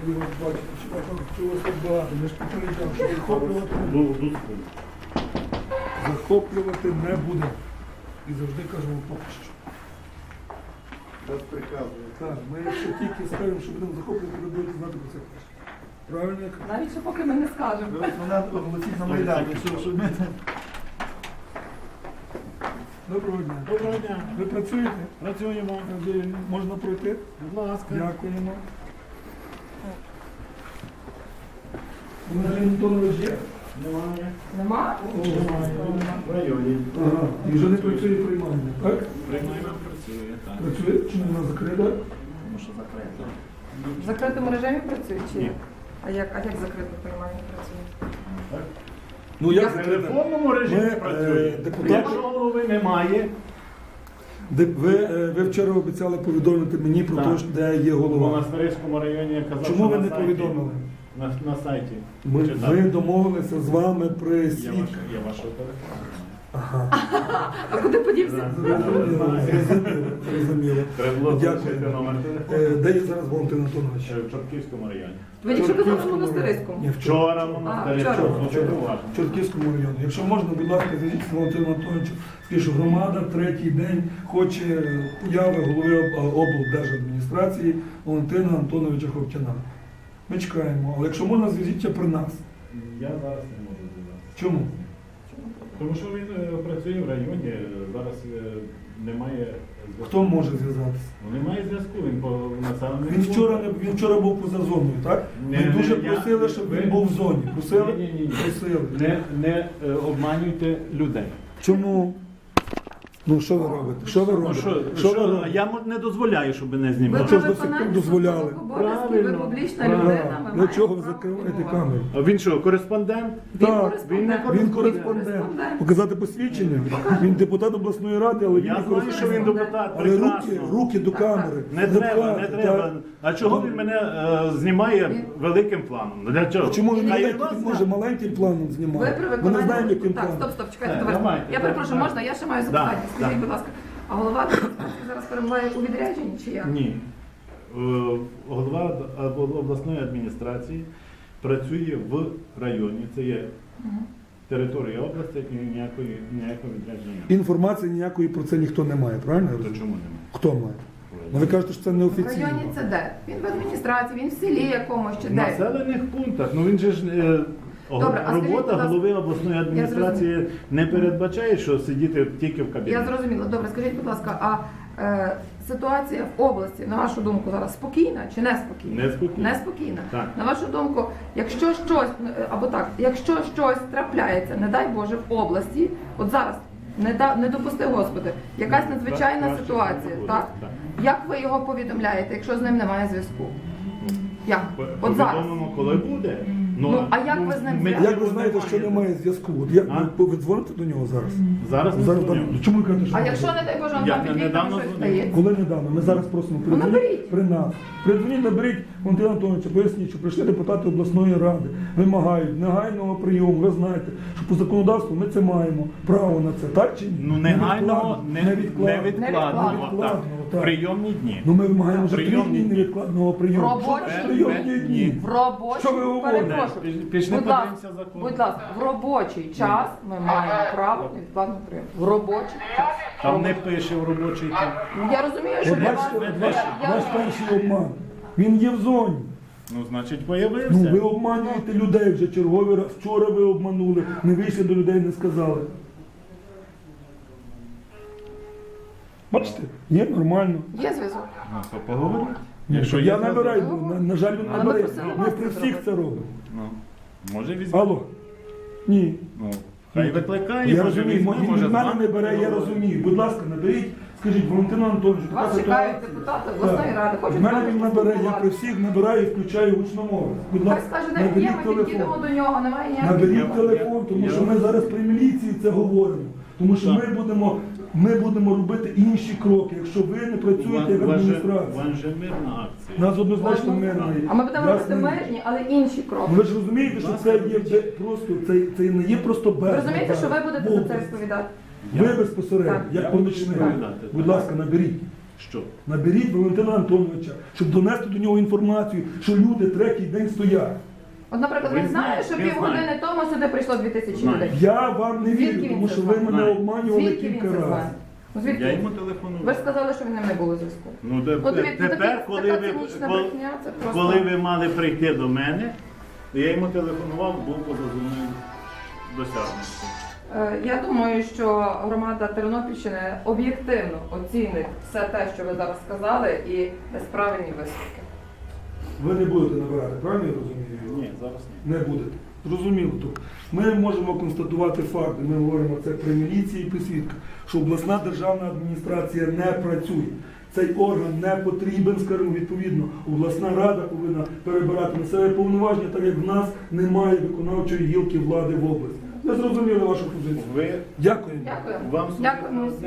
раді вас бачити, чи вас так багато. Ми ж попереджав, що захоплювати не будемо. І завжди кажемо поки що. Без приказу. Так, ми якщо тільки скажемо, що будемо захоплювати, ви будете знати про це перше. Правильно? я кажу? Навіть що поки ми не скажемо. Ви мене оголосіть на Майдані, що ми... Доброго дня. Доброго дня. Ви працюєте? Працюємо. Можна пройти? Будь ласка. Дякуємо. Валерій Антонович є? Немає. Нема? В районі. Ага. І вже не працює приймальня, так? Приймаємо, працює, так. Працює? Чому вона закрита? Тому що закрито. В закритому режимі працює чи Ні. як? А як закрито приймання працює? Так? Ну як В закрита? телефонному режимі Ми, працює. депутати- Якщо голови немає, Ви вчора обіцяли повідомити мені про Так. те, де є в голова. Монастирському районі я казав, Чому що ви на не сайті- повідомили? На сайті. Ви Читати. домовилися з вами при Я свідках. вашого телефону. Ага. А куди подівся? Зрозуміло. Треба було Дякую. залишити номер телефону. Де є зараз Валентин Антонович? В Чортківському районі. Ви нічого казали в монастириському? Ні, Вчора в Монастирському. вчора. Слухайте уважно. В Чортківському районі. Якщо можна, будь ласка, зв'яжіть з Валентином Антоновичем. Скажіть, що громада третій день хоче появи голови облдержадміністрації Валентина Антоновича Ховтяна. Ми чекаємо, але якщо можна, зв'яжіться при нас. Я зараз не можу зв'язатися. Чому? Тому що він працює в районі, зараз немає зв'язку. Хто може зв'язатися? Ну, немає зв'язку, він по населеному. Він вчора був поза зоною, так? Ми Ні, дуже ні, просили, щоб він був в зоні. Просили? Ні. Просили. Не обманюйте людей. Чому? Ну що ви робите? Що ви робите? Що ви робите? Я не дозволяю, щоб мене Ви знімали. чого ж до виконання сих пор дозволяли? службових обов'язків, ви Правильно, публічна правильно. людина. ви Для маєте чого ви право закриваєте реагувати. камеру? А він що, кореспондент? Так, він Він кореспондент. Показати посвідчення? Він депутат обласної ради, але він Я не знаю, що він кореспондент. депутат, Але прекрасно. руки до камери. Не треба, пхати, не треба. так. А чого він мене знімає великим планом? Для чого? Чому він Хай маленьким, вас він може маленьким планом Ви знімати? при Ми не виконанні... знаємо, яким Так, планом. стоп, чекайте, Так, товариш. давайте, Я перепрошую, так. можна? Я ще маю Да, запитання. Скажіть, да. будь ласка, а голова адміністрації зараз перебуває у відрядженні чи як? Ні. Голова обласної адміністрації працює в районі, це є територія області і ніякого відрядження. Інформації ніякої про це ніхто не має, правильно? я То розумію? чому немає? Хто має? Ну ви кажете, що це В неофіційно. районі це де? Він в адміністрації, він в селі якомусь чи В де? населених пунктах. Ну він же ж Добре, а скажіть, будь робота ласка, голови обласної адміністрації не передбачає, що сидіти тільки в Я кабінеті. зрозуміла. Добре, скажіть, будь ласка, а ситуація в області, на вашу думку, зараз спокійна чи неспокійна? Неспокійна. Неспокійна. Так. На вашу думку, якщо щось, або так, якщо щось трапляється, не дай Боже, в області, от зараз, не допусти Господи, якась надзвичайна Краще ситуація, не буде, так? так. Як ви його повідомляєте, якщо з ним немає зв'язку? Як? От зараз. Повідомимо, коли буде. Ну, а як ви з ним ми- зв'язку? Як ви знаєте, що немає зв'язку? От як А? ви дзвоните до нього зараз? Зараз не Зараз дзвоню. ну, чому ви кажете, що А немає якщо, зв'язку? не дай Боже, Я вам під вікнами недавно щось дзвонив. стається? Коли недавно? Ми зараз просимо Ну, наберіть. передзвоніть при нас. Передзвоніть, наберіть Валентина Антоновича, поясніть, що прийшли депутати обласної ради, вимагають негайного прийому. Ви знаєте, що по законодавству ми це маємо право на це, так чи ні? Ну, негайного, невідкладно. невідкладного, Невідкладного, так. прийомні дні. Ну ми вимагаємо вже 3 Прийомні дні дні. невідкладного прийому. Робочі Що прийомні дні? В робочий, Що ви говорите? перепрошую. Пішли Будь ласка, подивимося закон. будь ласка, в робочий час ми маємо право невідкладного прийому. В робочий час. Там не пише в робочий час. Ну, я розумію, що От для вас... бачите, я ваш розумію. перший обман. Він є в зоні. Ну, значить, Ну, появився. ви обманюєте людей вже черговий раз. Вчора ви обманули, не вийшли до людей, не сказали. Бачите, є нормально. Є зв'язок. Ну, то поговоріть. Якщо я набираю, на жаль, він Але ми набирає. просили Ми вас при це всіх зробити. це робимо. Ну, може візьме. Алло? Ні. Ну, хай викликає, Я може розумію, візьме, він може від з мене вами не бере, я поговорить. розумію. Будь ласка, наберіть, скажіть, Валентина Антоновичу, така Вас чекають ситуація. депутати обласної ради. В Хочуть мене з вами він набере, я при поспілкуватися. всіх набираю і включаю гучномовець. Будь Хай ласка, скаже, де є, наберіть ми підійдемо телефон. до нього, немає ніяких Наберіть проблем. телефон, тому що ми зараз при міліції це говоримо. Тому що ми будемо робити інші кроки, якщо ви не працюєте як адміністрація. Вам же мирна акція. У нас однозначно мирна є. А ми будемо робити Ясно? мирні, але інші кроки. Ну, ви ж розумієте, що це є просто, це не є просто Ви без. розумієте, що ви будете за це розповідати? Ви безпосередньо, Так. як помічник. Так. Будь ласка, наберіть. Що? Наберіть Валентина Антоновича, щоб донести до нього інформацію, що люди третій день стоять. От, наприклад, він Він знає, знає, що він півгодини знає. тому сюди прийшло 2000 Знає. людей. Я вам не Звідки вірю, він тому це що ви знає? мене Знає. обманювали Звідки він кілька це знає? разів. Ну, звідки? Я йому телефонував. Ви ж сказали, що в ним не було зв'язку. Ну, От дивіться, тепер, коли така ви, цинічна коли, брехня, це просто... коли ви мали прийти до мене, я йому телефонував, був поза зоною досягнутості. Я думаю, що громада Тернопільщини об'єктивно оцінить все те, що ви зараз сказали, і дасть правильні висновки. Ви не будете набирати, правильно я розумію? Ні, зараз ні. Не будете. Зрозуміло. Тобто ми можемо констатувати факти, ми говоримо це при міліції і при свідках, що обласна державна адміністрація не працює. Цей орган не потрібен, скажімо, відповідно, обласна рада повинна перебирати на себе повноваження, так як в нас немає виконавчої гілки влади в області. Ми зрозуміли вашу позицію. Ви Дякую. Дякую. вам Дякую.